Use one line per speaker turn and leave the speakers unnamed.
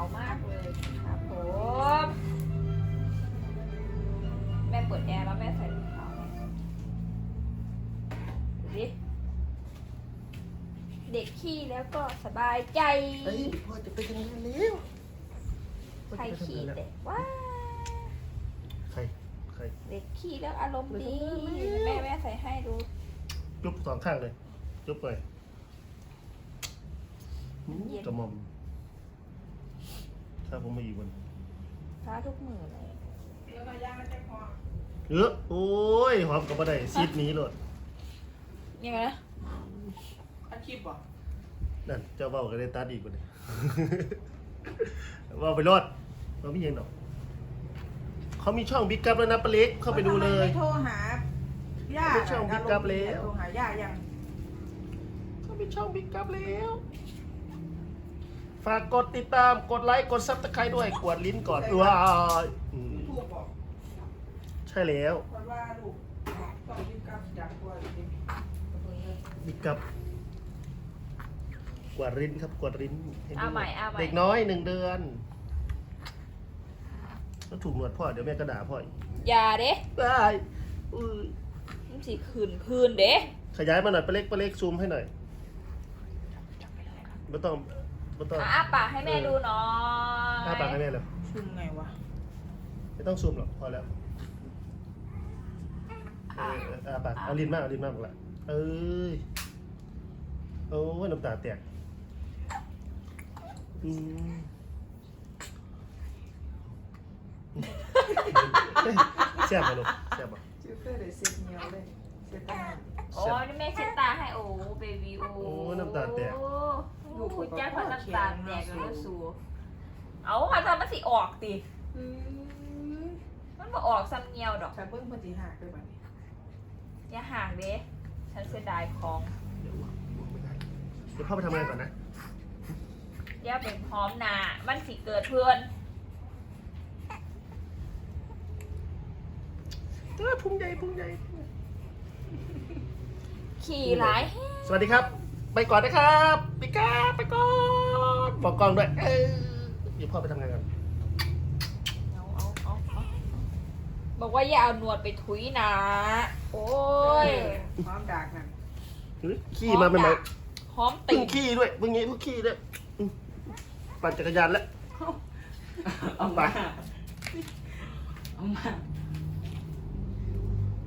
มากเลยครับผมแม่เปิดแอร์แล้วแม่ใส่รองเท้าให้ดูดิเด็กขี้แล้วก็สบายใจ
เฮ้ยพ่อจะไปทำงานแล้ว
ใครขี้เด็กว่า
ใคร
เด็กขี้แล้วอารมณ์ดีแม่ใส่ให้ดู
จุ๊บสองข้างเลยจุ๊บเลยกระหม่อมถ้าผมมาอีกวัน
ท้าทุกมือเลย
โอ้ยหอมกับบ่ได้ซีดนี้เลย
ยังไงนะ
อาชีพบ่
นั่นเจ้าเบ้าก็ได้ตัดอีกคนนึง เบ้าไปรอดเราไม่ยังหรอกเขามีช่องบิ๊กกัปแล้วนะปลาเล็กเข้าไปดูเลย
ไม่โทรหาย่า
ไม่ช่องบิ๊กกัปแล้ว
โทรหาย่ายัง
เขามีช่องบิ๊กกัปแล้วฝากกดติดตามกดไลค์กดซับสไครต์ด้วยกดลิ้นก่อนว้าย
ลูกบอก
ใช่แล้ว
เพราะว่าลูกต้องรีบกลับจากตัวจริง
บิ๊กกัปกวาดริ้นครับกวาดริ้นให้ดู
เอาใหม่
เด็กน้อย1 เดือนแล้วถูกหนวดพ่อเดี๋ยวแม่ก็ด่าพ่ออีก
อย่าเด้
ได้อุ้ย
มันสิคืนเด้
ขยายมาหน่อยปลาเล็กซูมให้หน่อยไม่ต้อง
อ้าปากให้แม่ดูหน่อย
อ้าปากให้แม่เลย
ๆชุมไงวะ
ไม่ต้องซูมหรอกพอแล้วอ้าปากเอาลิ้นมากหมดละเอ้ยโอ้ยน้ำตาแตกแซ่บป่ะลูกแซ่บป่ะ
ชื่อเพื่อเลยเซ็ตเนียวเลยเซ็ตตั้ง
โอ้นี่แม่เช็ดตาให้โอ้เบบี้โอ้
โอ้น้ำตาแตก
ลูกคุณจ้าพอน้ำตาแตกแล้วสูเอามาทำมันสิออกติมันบ่ออกซ้ำเงียวดอก
ฉันเพิ่งปฏิหารด้วยบัดนี้
อย่าห่างเด้ฉันเสียดายของ
เดี๋ยวเข้าไปทำงานก่อนนะ
เดี๋ยวเป็นพร้อมหนามันสิเกิดเพื่อน
พุ่งใหญ่
ขี่หลาย
สวัสดีครับ ไปก่อนนะครับปิก้าไปก่อนบอกกล้องด้วยเดี๋ยวพ่อไปทำงานกัน
เอาบอกว่าอย่าเอาหนวดไปถุยนะโอ้ย
พร้อมดากนั่น
ขี้มาเป็นไหม
หอม
เพิ่
ติ่
ง
ง
ขี้ด้วยเพิ่งขี้ด้วยปั่นจักรยานแล้ว
เอามาเอามา